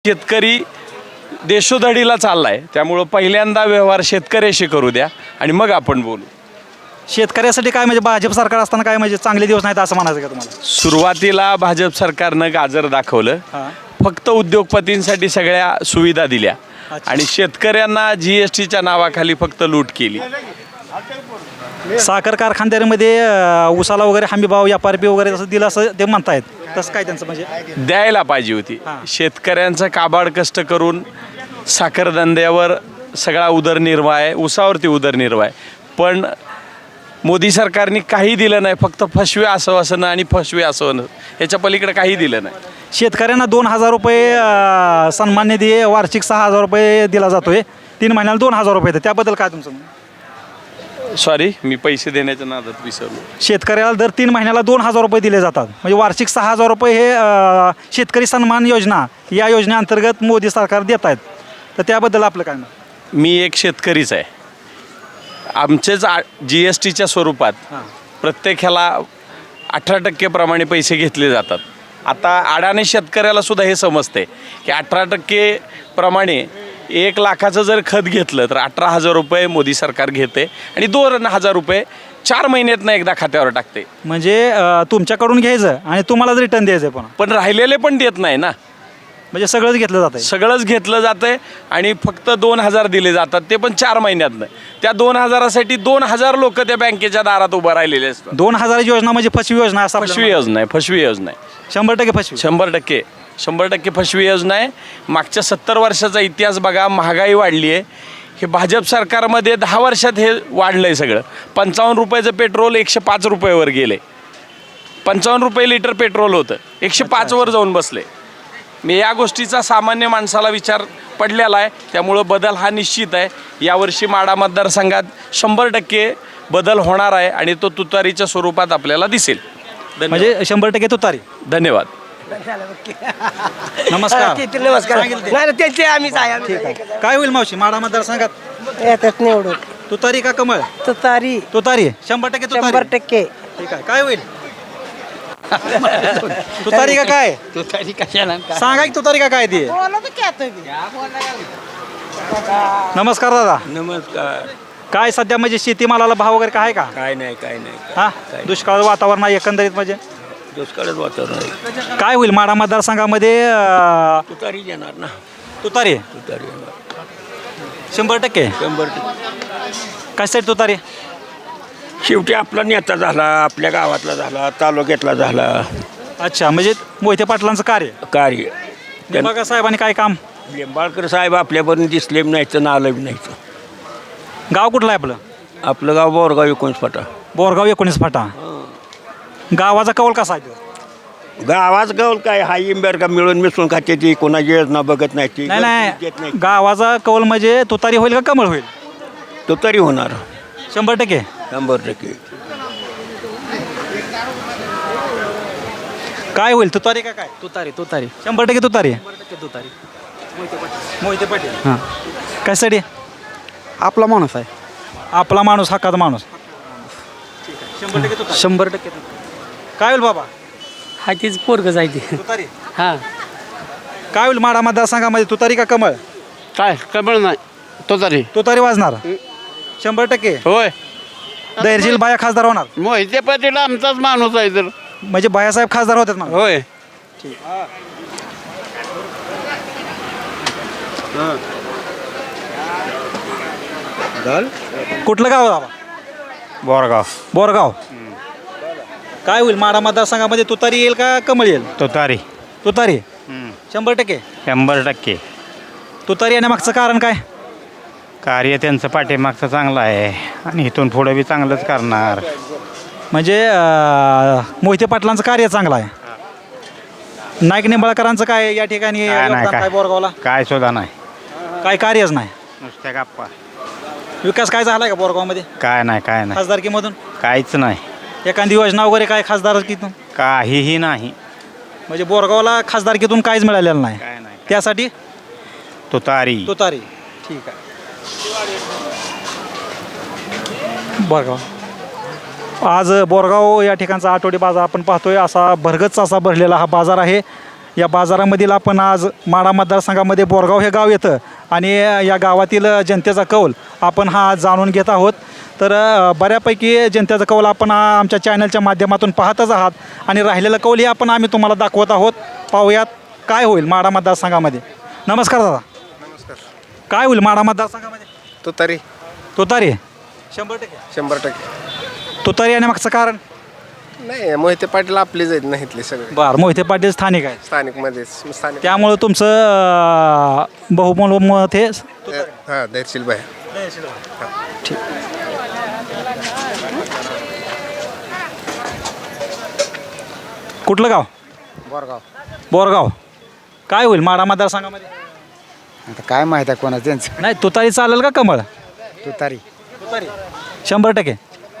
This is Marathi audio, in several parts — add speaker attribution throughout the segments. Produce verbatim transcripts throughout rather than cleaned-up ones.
Speaker 1: शेतकरी देशोधडीला चाललाय, त्यामुळं पहिल्यांदा व्यवहार शेतकऱ्याशी करू द्या आणि मग आपण बोलू.
Speaker 2: शेतकऱ्यासाठी काय म्हणजे भाजप सरकार असताना काय म्हणजे चांगले दिवस नाहीत असं म्हणायचं का तुम्हाला?
Speaker 1: सुरुवातीला भाजप सरकारनं गाजर दाखवलं,
Speaker 2: हां.
Speaker 1: फक्त उद्योगपतींसाठी सगळ्या सुविधा दिल्या
Speaker 2: अच्छा.
Speaker 1: आणि शेतकऱ्यांना जी एस टीच्या नावाखाली फक्त लूट केली.
Speaker 2: साखर कारखानदारीमध्ये अं, उसाला वगैरे हमी भाव एफ आर पी वगैरे तसं दिलं असं ते म्हणतायत, तसं काय त्यांचं म्हणजे?
Speaker 1: द्यायला पाहिजे होती.
Speaker 2: हां.
Speaker 1: शेतकऱ्यांचं काबाड कष्ट करून साखर धंद्यावर सगळा उदरनिर्वाह आहे, उसावरती उदरनिर्वाह आहे, पण मोदी सरकारने काही दिलं नाही. फक्त फसवे आश्वासनं आणि फसवे आश्वासनं, याच्या पलीकडे काही दिलं नाही.
Speaker 2: शेतकऱ्यांना दोन हजार रुपये अं, सन्मान निधी वार्षिक सहा हजार रुपये दिला जातोय, तीन महिन्याला दोन हजार रुपये येतात, त्याबद्दल काय तुमचं म्हणणं?
Speaker 1: सॉरी, मी पैसे देण्याच्या नादात विसरलो.
Speaker 2: शेतकऱ्याला दर तीन महिन्याला दोन हजार रुपये दिले जातात, म्हणजे वार्षिक सहा हजार रुपये हे अं, शेतकरी सन्मान योजना या योजनेअंतर्गत मोदी सरकार देत आहेत, तर त्याबद्दल आपलं काय मत?
Speaker 1: मी एक शेतकरीच आहे. आमचेच आ जी एस टीच्या स्वरूपात
Speaker 2: हां.
Speaker 1: प्रत्येक ह्याला अठरा टक्केप्रमाणे पैसे घेतले जातात. आता अडाणी शेतकऱ्याला सुद्धा हे समजते की अठरा टक्के प्रमाणे एक लाखाचं जर खत घेतलं तर अठरा हजार रुपये मोदी सरकार घेते आणि दोन हजार रुपये चार महिन्यातनं एकदा खात्यावर टाकते.
Speaker 2: म्हणजे अं, तुमच्याकडून घ्यायचं आणि तुम्हालाच रिटर्न द्यायचं आहे, पण
Speaker 1: पण राहिलेले पण देत नाही ना,
Speaker 2: म्हणजे सगळंच घेतलं जातं.
Speaker 1: सगळंच घेतलं जातंय आणि फक्त दोन हजार दिले जातात, ते पण चार महिन्यातनं. त्या दोन हजारासाठी दोन हजार लोक त्या बँकेच्या दारात उभं राहिलेले असतात.
Speaker 2: दोन हजाराची योजना म्हणजे फसवी योजना असं
Speaker 1: फसवी योजना आहे, फसवी योजना आहे,
Speaker 2: शंभर टक्के फसवी.
Speaker 1: शंभर टक्के शंभर टक्के फसवी योजना आहे. मागच्या सत्तर वर्षाचा इतिहास बघा, महागाई वाढली आहे. हे भाजप सरकारमध्ये दहा वर्षात हे वाढलं आहे सगळं. पंचावन्न रुपयाचं पेट्रोल एकशे पाच रुपयेवर गेले. पंचावन्न रुपये लिटर पेट्रोल होतं, एकशे पाचवर जाऊन बसले. मी या गोष्टीचा सामान्य माणसाला विचार पडलेला आहे, त्यामुळं बदल हा निश्चित आहे. यावर्षी माढा मतदारसंघात शंभर टक्के बदल होणार आहे आणि तो तुतारीच्या स्वरूपात आपल्याला दिसेल.
Speaker 2: म्हणजे शंभर टक्के तुतारी.
Speaker 1: धन्यवाद.
Speaker 2: नमस्कार.
Speaker 3: नमस्कार.
Speaker 2: सांगितलं ते.
Speaker 3: नाही ना, त्यांचे आम्हीच आहे आम्ही
Speaker 2: ठीक आहे. काय होईल मावशी माढा मतदारसंघात?
Speaker 3: येतात निवडून
Speaker 2: तुतारी का कमळ?
Speaker 3: तुतारी
Speaker 2: तुतारी शंभर टक्के
Speaker 3: शंभर
Speaker 2: तुतारी.
Speaker 3: टक्के
Speaker 2: ठीक आहे. काय होईल? तुतारी का काय?
Speaker 3: तुतारी कशाला
Speaker 2: सांगा की तुतारी का काय ती? नमस्कार दादा.
Speaker 4: नमस्कार.
Speaker 2: काय सध्या म्हणजे शेतीमालाला भाव वगैरे काय आहे का?
Speaker 4: काय नाही काय नाही
Speaker 2: हा, दुष्काळ वातावरण आहे एकंदरीत, म्हणजे
Speaker 4: दुष्काळच वातावरण आहे.
Speaker 2: काय होईल माढा मतदारसंघामध्ये? अं,
Speaker 4: तुतारी येणार ना,
Speaker 2: तुतारी
Speaker 4: तुतारी येणार
Speaker 2: शंभर टक्के.
Speaker 4: शंभर टक्के.
Speaker 2: कशासाठी तुतारी?
Speaker 4: शेवटी आपला नेता झाला, आपल्या गावातला झाला, तालुक्यातला झाला.
Speaker 2: अच्छा, म्हणजे मोहिते पाटलांचं कार्य.
Speaker 4: कार्य
Speaker 2: बघा साहेबांनी काय काम.
Speaker 4: लिंबाळकर साहेब आपल्यापर्यंत दिसले नाही तर नालं नाही.
Speaker 2: गाव कुठलं आहे आपलं?
Speaker 4: आपलं गाव बोरगाव एकोणीस फाटा.
Speaker 2: बोरगाव एकोणीस फाटा. गावाचा कौल कसा आहे तो?
Speaker 4: गावाच गाव काय हा इंबर का मिळून मिसळून खाते ती, कोणाची योजना बघत नाही ती,
Speaker 2: नाही
Speaker 4: देत
Speaker 2: नाही, गावाचा कौल म्हणजे तुतारी होईल का कमळ होईल?
Speaker 4: तुतारी होणार
Speaker 2: शंभर टक्के.
Speaker 4: शंभर टक्के.
Speaker 2: काय होईल, तुतारी का काय?
Speaker 3: तुतारी तुतारी
Speaker 2: शंभर टक्के तुतारी.
Speaker 3: तुतारी
Speaker 2: मोहिते पाटील.
Speaker 3: हां,
Speaker 2: कशासाठी?
Speaker 3: आपला माणूस आहे.
Speaker 2: आपला माणूस, हक्काचा माणूस. शंभर टक्के तुतारी.
Speaker 3: शंभर टक्के
Speaker 2: काय होईल बाबा?
Speaker 3: हा तीच पोरग जायची.
Speaker 2: तुतारी.
Speaker 3: हां,
Speaker 2: काय होईल माढा मतदारसंघामध्ये, तुतारी का कमळ?
Speaker 5: काय कमळ नाही तुतारी.
Speaker 2: तुतारी वाजणार शंभर टक्के.
Speaker 5: होय,
Speaker 2: धैर्यशील बाया खासदार होणार,
Speaker 5: मोहिते पाटील आमचाच माणूस आहे तर.
Speaker 2: म्हणजे बायासाहेब खासदार होतात मग.
Speaker 5: होय.
Speaker 2: कुठलं गाव आहे बाबा?
Speaker 5: बोरगाव.
Speaker 2: बोरगाव. काय होईल माढा मतदारसंघामध्ये, तुतारी येईल का कमळ येईल?
Speaker 5: तुतारी.
Speaker 2: तुतारी शंभर टक्के.
Speaker 5: शंभर टक्के.
Speaker 2: तुतारी येण्यामागचं कारण काय?
Speaker 5: कार्य त्यांचं पाठीमागचं चांगलं आहे आणि इथून पुढे बी चांगलंच करणार.
Speaker 2: म्हणजे अं, मोहिते पाटलांचं कार्य चांगलं आहे. नाईक निंबाळकरांचं काय या ठिकाणी
Speaker 5: काय नाही,
Speaker 2: योगदान
Speaker 5: काय.
Speaker 2: काय बोरगावला?
Speaker 5: काय सुद्धा नाही,
Speaker 2: काय कार्यच नाही.
Speaker 5: नुसत्या गप्पा.
Speaker 2: विकास काय झालाय का बोरगावमध्ये
Speaker 5: काय नाही, काय नाही,
Speaker 2: खासदारकीमधून?
Speaker 5: काहीच नाही,
Speaker 2: एखादी योजना वगैरे काय खासदारकीतून?
Speaker 5: काहीही नाही.
Speaker 2: म्हणजे बोरगावला खासदारकीतून काहीच मिळालेलं नाही,
Speaker 5: काय नाही.
Speaker 2: त्यासाठी
Speaker 5: तुतारी.
Speaker 2: तुतारी. ठीक आहे. बोरगाव. आज बोरगाव या ठिकाणचा आठवडी बाजार आपण पाहतोय. असा भरगच्च असा भरलेला हा बाजार आहे. या बाजारामधील आपण आज माढा मतदारसंघामध्ये बोरगाव हे गाव येतं आणि या गावातील जनतेचा कौल आपण हा आज जाणून घेत आहोत. तर अ, बऱ्यापैकी जनतेचा कौल आपण हा आमच्या चॅनलच्या माध्यमातून पाहतच आहात आणि राहिलेलं कौलही आपण आम्ही तुम्हाला दाखवत आहोत. पाहूयात काय होईल माढा मतदारसंघामध्ये. नमस्कार दादा.
Speaker 6: नमस्कार.
Speaker 2: काय होईल माढा मतदारसंघामध्ये?
Speaker 6: तुतारी
Speaker 2: तुतारी शंभर टक्के.
Speaker 6: शंभर टक्के.
Speaker 2: तुतारी आणि मागचं कारण?
Speaker 6: नाही मोहिते पाटील आपलेच आहेत ना इथले सगळे
Speaker 2: बरं, मोहिते पाटील स्थानिक आहे
Speaker 6: स्थानिकमध्येच स्थानिक.
Speaker 2: त्यामुळं तुमचं अ, बहुमोल मत हे
Speaker 6: हां धैर्यशील भाई.
Speaker 2: कुठलं गाव?
Speaker 7: बोरगाव.
Speaker 2: बोरगाव. काय होईल माढा मतदारसंघामध्ये?
Speaker 7: आता काय माहीत आहे कोणाचं त्यांचं.
Speaker 2: नाही तुतारी चालेल का कमळ?
Speaker 7: तुतारी.
Speaker 2: शंभर टक्के.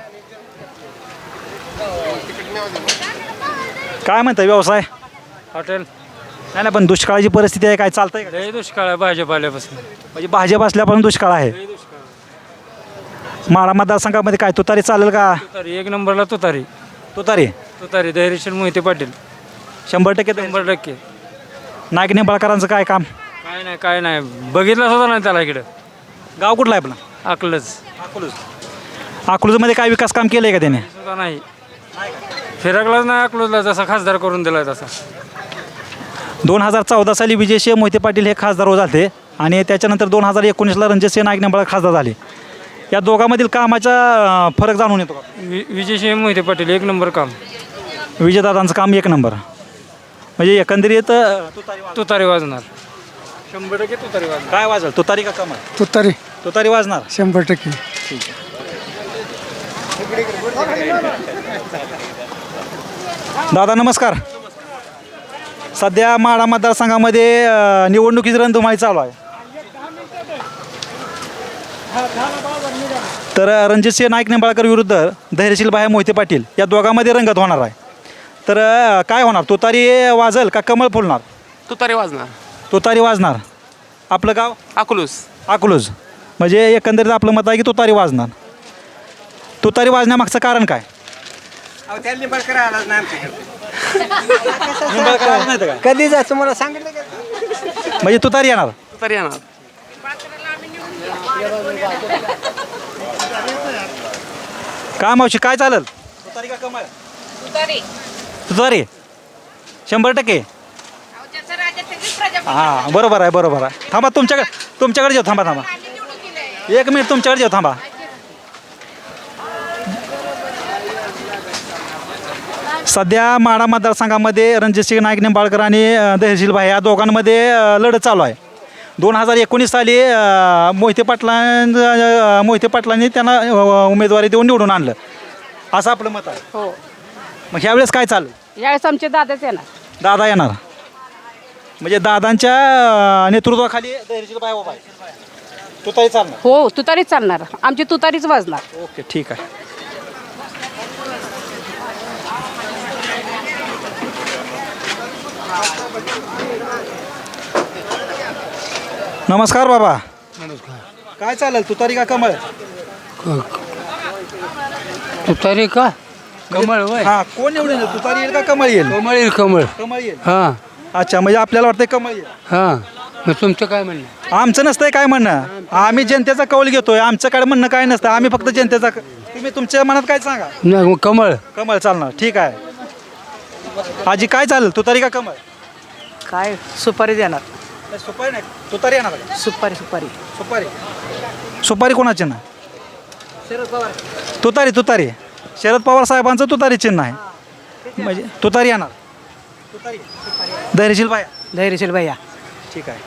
Speaker 2: काय म्हणतं व्यवसाय?
Speaker 8: हॉटेल.
Speaker 2: नाही नाही पण दुष्काळाची परिस्थिती आहे, काय चालतंय का?
Speaker 8: लय दुष्काळ आहे भाजप आल्यापासून.
Speaker 2: म्हणजे भाजप असल्यापासून दुष्काळ आहे. माढा मतदारसंघामध्ये काय तुतारी चालेल का?
Speaker 8: तुतारी एक नंबरला तुतारी.
Speaker 2: तुतारी
Speaker 8: तुतारी धैर्यशील मोहिते पाटील.
Speaker 2: शंभर टक्के.
Speaker 8: शंभर टक्के.
Speaker 2: नाईक निंबाळकरांचं काय काम?
Speaker 8: काय नाही काय नाही बघितलं सुद्धा नाही त्याला इकडं.
Speaker 2: गाव कुठलं आहे आपलं?
Speaker 8: अकलच
Speaker 2: अकलूज. अकलूजमध्ये काय विकास काम केलं आहे का त्याने?
Speaker 8: सुद्धा नाही. फिरकलाच नाही अकलूजला, जसा खासदार करून दिलाय तसा.
Speaker 2: दोन हजार चौदा साली विजयसिंह मोहिते पाटील हे खासदार झाले आणि त्याच्यानंतर दोन हजार एकोणीसला रणजितसिंह नाईक निंबाळकर खासदार झाले. या दोघांमधील कामाचा अं, फरक जाणून येतो का?
Speaker 8: वि विजयसिंह मोहिते पाटील एक नंबर काम.
Speaker 2: विजयदादांचं काम एक नंबर. म्हणजे एकंदरीत अं,
Speaker 8: तुतारी वाजणार. शंभर टक्के तुतारी वाजणार.
Speaker 2: काय वाजल? तुतारी का कमळ?
Speaker 3: तुतारी
Speaker 2: तुतारी वाजणार.
Speaker 3: शंभर टक्के.
Speaker 2: दादा नमस्कार. सध्या माढा मतदारसंघामध्ये अं, निवडणुकीची रणधुमाळी चालू आहे. तर अं, रणजितसिंह नाईक निंबाळकर विरुद्ध धैर्यशील भाई मोहिते पाटील या दोघांमध्ये रंगत होणार आहे. तर अं, काय होणार? तुतारी वाजल का कमळ फुलणार?
Speaker 9: तुतारी वाजणार.
Speaker 2: तुतारी वाजणार. आपलं गाव?
Speaker 9: अकलूस.
Speaker 2: अकलूज. म्हणजे एकंदरीत आपलं मत आहे की तुतारी वाजणार. तुतारी वाजण्यामागचं कारण काय? निंबाळकर आलं नाही तर काय?
Speaker 3: कधी जायचं मला सांगितलं का?
Speaker 2: म्हणजे तुतारी येणार.
Speaker 9: तुतारी येणार.
Speaker 2: काय मावशी काय चालेल? तुतारी का कमळ? तुतारी शंभर टक्के. हां बरोबर आहे बरोबर आहे. थांबा तुमच्याकडे तुमच्याकडे जाऊ. थांबा थांबा एक मिनिट तुमच्याकडे जाऊ. थांबा. सध्या माढा मतदारसंघामध्ये रणजितसिंह नाईक निंबाळकर आणि अ, धैर्यशील भाई या दोघांमध्ये अ, लढत चालू आहे. दोन हजार एकोणीस साली अ, मोहिते पाटलां अ, मोहिते पाटलांनी त्यांना अ, उमेदवारी देऊन निवडून आणलं असं आपलं मत आहे.
Speaker 10: हो
Speaker 2: मग ह्यावेळेस काय चालू?
Speaker 10: यावेळेस आमचे दादाच येणार.
Speaker 2: दादा येणार. म्हणजे दादांच्या अ, नेतृत्वाखाली धैर्यशील भाई उभा आहे. तुतारी चालणार.
Speaker 10: हो तुतारीच चालणार. आमची तुतारीच वाजणार.
Speaker 2: ओके ठीक आहे. नमस्कार बाबा.
Speaker 3: नमस्कार.
Speaker 2: काय चालेल? तुतारी का कमळ?
Speaker 3: तुतारी का कमळ वय
Speaker 2: हा कोण निवडून येईल? तुतारी येईल का कमळ येईल?
Speaker 3: कमळ येईल कमळ.
Speaker 2: कमळ येईल.
Speaker 3: हां
Speaker 2: अच्छा म्हणजे आपल्याला वाटतंय कमळ येईल.
Speaker 3: हां मग तुमचं काय म्हणणं?
Speaker 2: आमचं नसतंय काय म्हणणं. आम्ही जनतेचा कौल घेतोय. आमचं काय म्हणणं काय नसतं. आम्ही फक्त जनतेचा क- तुम्ही तुमच्या मनात काय सांगा.
Speaker 3: नाही मग कमळ.
Speaker 2: कमळ चालणार. ठीक आहे. आजी काय चालेल? तुतारी का कमळ?
Speaker 3: काय सुपारी देणार.
Speaker 2: सुपारी नाही तुतारी येणार का?
Speaker 3: सुपारी सुपारी.
Speaker 2: सुपारी. सुपारी कोणाची ना? तुतारी तुतारी. शरद पवार साहेबांचं तुतारी चिन्ह आहे. म्हणजे तुतारी येणार. तुतारी धैर्यशील बाया.
Speaker 3: धैर्यशील भैया.
Speaker 2: ठीक आहे.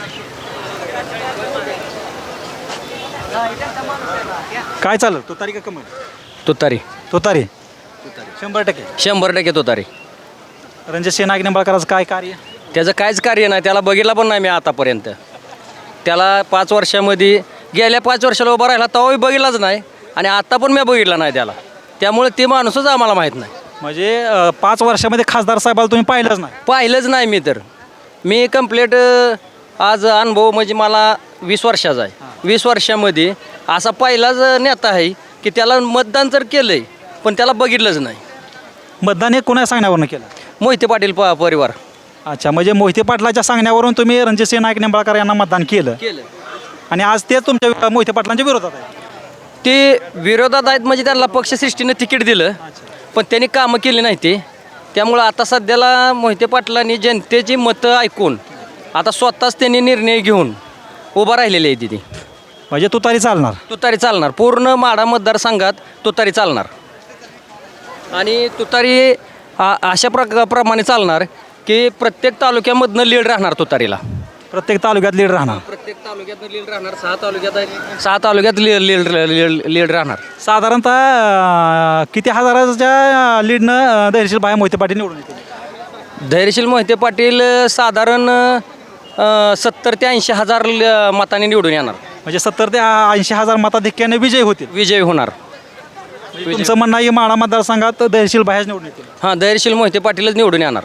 Speaker 2: काय चालेल? तुतारी का कमळ?
Speaker 9: तुतारी.
Speaker 2: तुतारी. शंभर टक्के.
Speaker 9: शंभर टक्के तुतारी.
Speaker 2: रणजितसिंह नाईक निंबाळकरांचं काय कार्य?
Speaker 9: त्याचं काहीच कार्य नाही. त्याला बघितला पण नाही मी आतापर्यंत. त्याला पाच वर्षामध्ये गेल्या पाच वर्षाला उभा राहिला तेव्हाही बघितलाच नाही आणि आता पण मी बघितला नाही त्याला. त्यामुळे ते माणूसच आम्हाला माहीत नाही.
Speaker 2: म्हणजे अं, पाच वर्षामध्ये खासदार साहेबाला तुम्ही पाहिलंच नाही?
Speaker 9: पाहिलंच नाही मी तर. मी कंप्लीट आज अनुभव म्हणजे मला वीस वर्षाचा आहे. वीस वर्षामध्ये असा पहिलाच नेता आहे की त्याला मतदान तर केलं आहे पण त्याला बघितलंच नाही.
Speaker 2: मतदान हे कोणा सांगण्यावरनं केलं?
Speaker 9: मोहिते पाटील प परिवार.
Speaker 2: अच्छा, म्हणजे मोहिते पाटलाच्या सांगण्यावरून तुम्ही रणजितसिंह नाईक निंबाळकर यांना मतदान केलं
Speaker 9: केलं
Speaker 2: आणि आज ते तुमच्या मोहिते पाटलांच्या विरोधात आहे.
Speaker 9: ते विरोधात आहेत म्हणजे त्यांना पक्षसृष्टीनं तिकीट दिलं पण त्यांनी कामं केली नाही ते. त्यामुळं आता सध्याला मोहिते पाटलांनी जनतेची मतं ऐकून आता स्वतःच त्यांनी निर्णय घेऊन उभा राहिलेले आहे तिथे.
Speaker 2: म्हणजे तुतारी चालणार.
Speaker 9: तुतारी चालणार पूर्ण माढा मतदारसंघात तुतारी चालणार आणि तुतारी आ- अशा प्रका प्रमाणे चालणार की प्रत्येक तालुक्यामधनं लीड राहणार तुतारीला.
Speaker 2: प्रत्येक तालुक्यात लीड राहणार.
Speaker 9: प्रत्येक तालुक्यात लीड राहणार. सहा तालुक्यात सहा तालुक्यात लीड लीड लीड राहणार.
Speaker 2: साधारणतः अं, किती हजाराच्या लीडनं धैर्यशील भाया मोहिते पाटील निवडून येतील?
Speaker 9: धैर्यशील मोहिते पाटील अ, साधारण अ, सत्तर ते ऐंशी हजार ल- मतांनी निवडून येणार.
Speaker 2: म्हणजे सत्तर ते ऐंशी हजार मताधिक्याने विजय होतील.
Speaker 9: विजय होणार.
Speaker 2: म्हणजे तुमचं म्हणणं आहे की माढा मतदारसंघात धैर्यशील भायाच निवडून येतील.
Speaker 9: हां धैर्यशील मोहिते पाटीलच निवडून येणार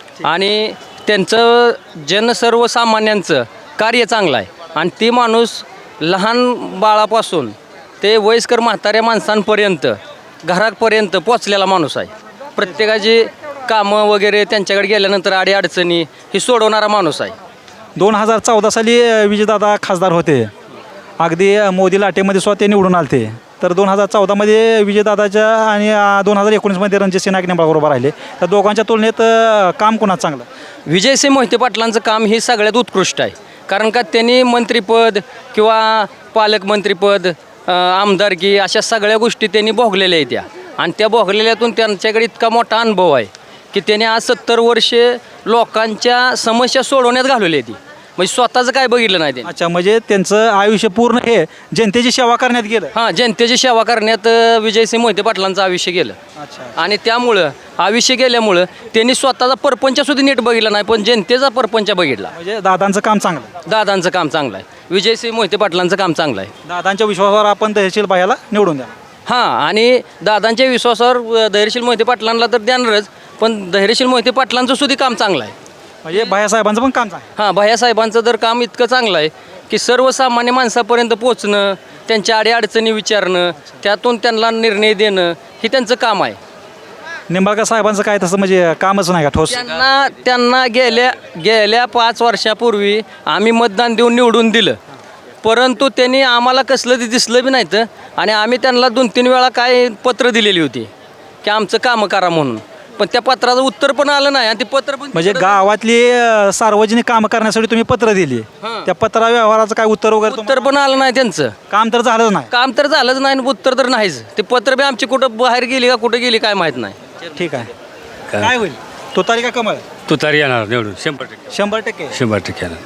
Speaker 9: आणि त्यांचं जन सर्वसामान्यांचं कार्य चांगलं आहे आणि ती माणूस लहान बाळापासून ते वयस्कर म्हाताऱ्या माणसांपर्यंत घरापर्यंत पोचलेला माणूस आहे. प्रत्येकाची कामं वगैरे त्यांच्याकडे गेल्यानंतर अडीअडचणी ही सोडवणारा माणूस आहे.
Speaker 2: दोन हजार चौदा साली अं, विजयदादा खासदार होते. अगदी अं, मोदी लाटेमध्ये स्वतः ते निवडून आलते. तर दोन हजार चौदामध्ये विजयदादाच्या आणि दोन हजार एकोणीसमध्ये रणजितसिंह नाईक निंबाळकर उभा राहिले. तर दोघांच्या तुलनेत अं, काम कोणाचं चांगलं?
Speaker 9: विजयसिंह मोहिते पाटलांचं काम हे सगळ्यात उत्कृष्ट आहे कारण का त्यांनी मंत्रिपद किंवा पालकमंत्रीपद अ, आमदारकी अशा सगळ्या गोष्टी त्यांनी भोगलेल्या आहेत त्या आणि त्या भोगलेल्यातून त्यांच्याकडे इतका मोठा अनुभव आहे की त्यांनी आज सत्तर वर्षे लोकांच्या समस्या सोडवण्यात घालवली आहे ती म्हणजे स्वतःचं काय बघितलं नाही त्यांनी.
Speaker 2: अच्छा, म्हणजे त्यांचं आयुष्य पूर्ण हे जनतेची सेवा करण्यात गेलं.
Speaker 9: हां जनतेची सेवा करण्यात अ, विजयसिंह मोहिते पाटलांचं आयुष्य गेलं आणि त्यामुळं आयुष्य गेल्यामुळं त्यांनी स्वतःचा परपंचसुद्धा नीट बघितला नाही पण जनतेचा परपंच बघितला.
Speaker 2: म्हणजे दादांचं काम चांगलं.
Speaker 9: दादांचं काम चांगलं आहे. विजयसिंह मोहिते पाटलांचं काम चांगलं आहे.
Speaker 2: दादांच्या विश्वासावर आपण धैर्यशील भायाला निवडून द्या.
Speaker 9: हां आणि दादांच्या विश्वासावर अ, धैर्यशील मोहिते पाटलांना तर देणारच पण धैर्यशील मोहिते पाटलांचं सुद्धा काम चांगलं आहे.
Speaker 2: म्हणजे भायासाहेबांचं पण काम चांगलं.
Speaker 9: हां भैयासाहेबांचं तर काम इतकं चांगलं आहे की सर्वसामान्य माणसापर्यंत पोचणं त्यांच्या अडीअडचणी विचारणं त्यातून त्यांना निर्णय देणं हे त्यांचं काम आहे.
Speaker 2: निंबाळकर साहेबांचं काय तसं म्हणजे कामच नाही का ठोस?
Speaker 9: त्यांना त्यांना गेल्या गेल्या पाच वर्षापूर्वी आम्ही मतदान देऊन निवडून दिलं परंतु त्यांनी आम्हाला कसलं ते दिसलं बी नाही तर आणि आम्ही त्यांना दोन तीन वेळा काय पत्र दिलेली होती की आमचं कामं करा म्हणून पण त्या पत्राचं उत्तर पण आलं नाही आणि ते पत्र पण
Speaker 2: म्हणजे गावातली अं, सार्वजनिक कामं करण्यासाठी तुम्ही पत्र दिली.
Speaker 9: हां.
Speaker 2: त्या पत्रा व्यवहाराचं काय उत्तर वगैरे
Speaker 9: उत्तर पण आलं नाही त्यांचं.
Speaker 2: काम तर झालंच नाही.
Speaker 9: काम तर झालंच नाही आणि उत्तर तर नाहीच. ते पत्र बी आमची कुठं बाहेर गेली का कुठं गेली काय माहीत नाही.
Speaker 2: ठीक आहे. काय होईल? तुतारी का कमळ?
Speaker 8: तुतारी येणार निवडून शंभर टक्के
Speaker 2: शंभर टक्के
Speaker 8: शंभर टक्के येणार.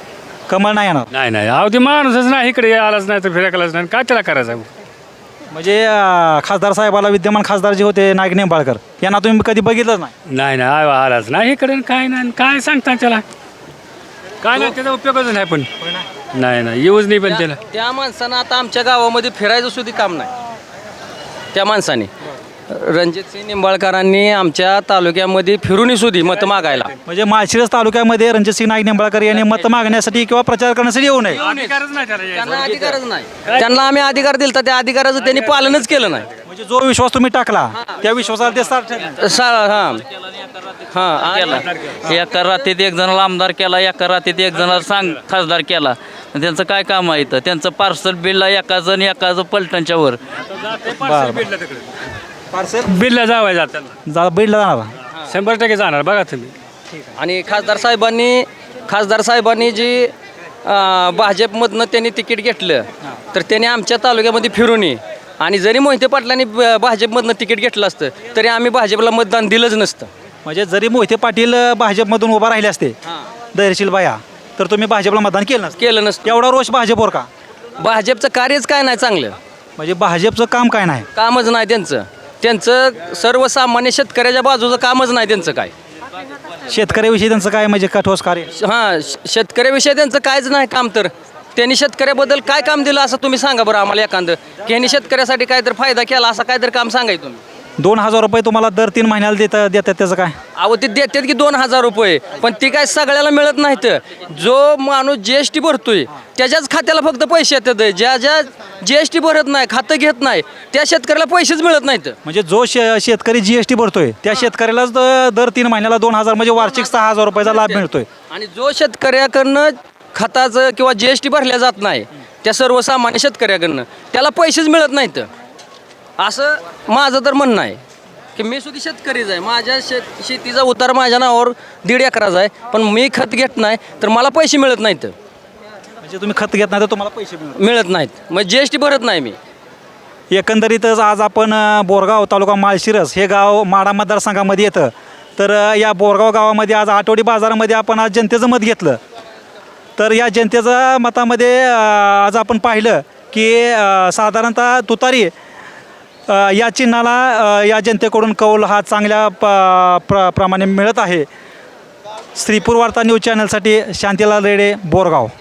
Speaker 2: कमळ नाही येणार.
Speaker 8: नाही नाही अहो ते माणूसच नाही इकडे आलाच नाही तर फिरायलाच नाही काय त्याला करायचं.
Speaker 2: म्हणजे अं, खासदार साहेबाला विद्यमान खासदार जे होते नाईक निंबाळकर यांना तुम्ही कधी बघितलंच नाही.
Speaker 8: नाही नाही आव- आलाच नाही इकडे काय नाही काय सांगता त्याला काय नाही त्याचा उपयोगच नाही पण नाही नाही येऊच नाही पण त्याला.
Speaker 9: त्या माणसानं आता आमच्या गावामध्ये फिरायचं सुद्धा काम नाही. त्या माणसाने रणजितसिंह निंबाळकरांनी आमच्या तालुक्यामध्ये फिरूनही सुद्धा मतं मागायला
Speaker 2: म्हणजे माळशिरस तालुक्यामध्ये रणजितसिंह नाईक निंबाळकर यांनी मत मागण्यासाठी किंवा प्रचार करण्यासाठी येऊ नये.
Speaker 8: अधिकारच नाही त्याला यायचा.
Speaker 9: त्यांना अधिकारच नाही. त्यांना आम्ही अधिकार दिला त्या अधिकाराचं त्यांनी पालनच केलं नाही.
Speaker 2: म्हणजे जो विश्वास तुम्ही टाकला त्या विश्वासाला ते साथ ठरले.
Speaker 9: सा हां हां केला.
Speaker 11: एका रात्रीत एक जणाला आमदार केला एका रात्रीत एक जणाला सांग खासदार केला त्यांचं काय काम आहे इथं त्यांचं पार्सल बिलला एकाचं आणि एकाचं पलटणच्या वर
Speaker 2: पार्सल
Speaker 8: बिलला जावाय जाताना
Speaker 2: जा बीडला जाणार.
Speaker 8: शंभर टक्के जाणार बघा तुम्ही.
Speaker 9: आणि खासदार साहेबांनी खासदार साहेबांनी जी अं, भाजपमधनं त्यांनी तिकीट घेतलं तर त्यांनी आमच्या तालुक्यामध्ये फिरून ये आणि जरी मोहिते पाटलांनी ब- भाजपमधनं तिकीट घेतलं असतं तरी आम्ही भाजपला मतदान दिलंच नसतं.
Speaker 2: म्हणजे जरी मोहिते पाटील अं, भाजपमधून उभा राहिले असते धैर्यशील भाया तर तुम्ही भाजपला मतदान केलं नसतं.
Speaker 9: केलं नसतं.
Speaker 2: एवढा रोष भाजपवर का?
Speaker 9: भाजपचं कार्यच काय नाही चांगलं.
Speaker 2: म्हणजे भाजपचं काम काय नाही.
Speaker 9: कामच नाही त्यांचं त्यांचं सर्वसामान्य शेतकऱ्याच्या बाजूचं कामच नाही त्यांचं काय.
Speaker 2: शेतकऱ्याविषयी त्यांचं काय म्हणजे का ठोस कार्य?
Speaker 9: हां शेतकऱ्याविषयी त्यांचं कायच नाही काम तर त्यांनी शेतकऱ्याबद्दल काय काम दिलं असं तुम्ही सांगा बरं आम्हाला एखादं की ह्यांनी शेतकऱ्यासाठी काहीतरी फायदा केला असं काहीतरी काम सांगाय तुम्ही.
Speaker 2: दोन हजार रुपये तुम्हाला दर तीन महिन्याला देता देतात त्याचं काय?
Speaker 9: अहो ते देतात की दोन हजार रुपये, पण ती काय सगळ्याला मिळत नाहीत. जो माणूस जी एस टी भरतोय त्याच्याच खात्याला फक्त पैसे येतात. ज्या ज्या जी एस टी भरत नाही, खातं घेत नाही, त्या शेतकऱ्याला पैसेच मिळत नाहीत.
Speaker 2: म्हणजे जो शे शेतकरी जी एस टी भरतोय त्या शेतकऱ्यालाच द- दर तीन महिन्याला दोन हजार म्हणजे वार्षिक सहा हजार रुपयाचा लाभ मिळतोय.
Speaker 9: आणि जो शेतकऱ्याकडनं खताचं किंवा जी एस टी भरल्या जात नाही, त्या सर्वसामान्य शेतकऱ्याकडनं त्याला पैसेच मिळत नाहीत. असं माझं तर म्हणणं आहे की मी सुद्धा शेतकरीच आहे. माझ्या शेत शेतीचा उतार माझ्या नावावर दीड एकराचा आहे, पण मी खत घेत नाही तर मला पैसे मिळत नाहीत.
Speaker 2: म्हणजे तुम्ही खत घेत नाही तर तुम्हाला पैसे मिळतात.
Speaker 9: मिळत नाहीत, मग जी एस टी भरत नाही मी.
Speaker 2: एकंदरीतच आज आपण अ, बोरगाव तालुका माळशिरस हे गाव माढा मतदारसंघामध्ये येतं. तर अ, या बोरगाव गावामध्ये आज आठवडी बाजारामध्ये आपण आज जनतेचं मत घेतलं. तर या जनतेच्या मतामध्ये अ, आज आपण पाहिलं की अ, साधारणतः तुतारी अ, या चिन्हाला अ, या जनतेकडून कौल हा चांगल्या प प्र प्रमाणे मिळत आहे. श्रीपूर वार्ता न्यूज चॅनलसाठी शांतीलाल रेडे, बोरगाव.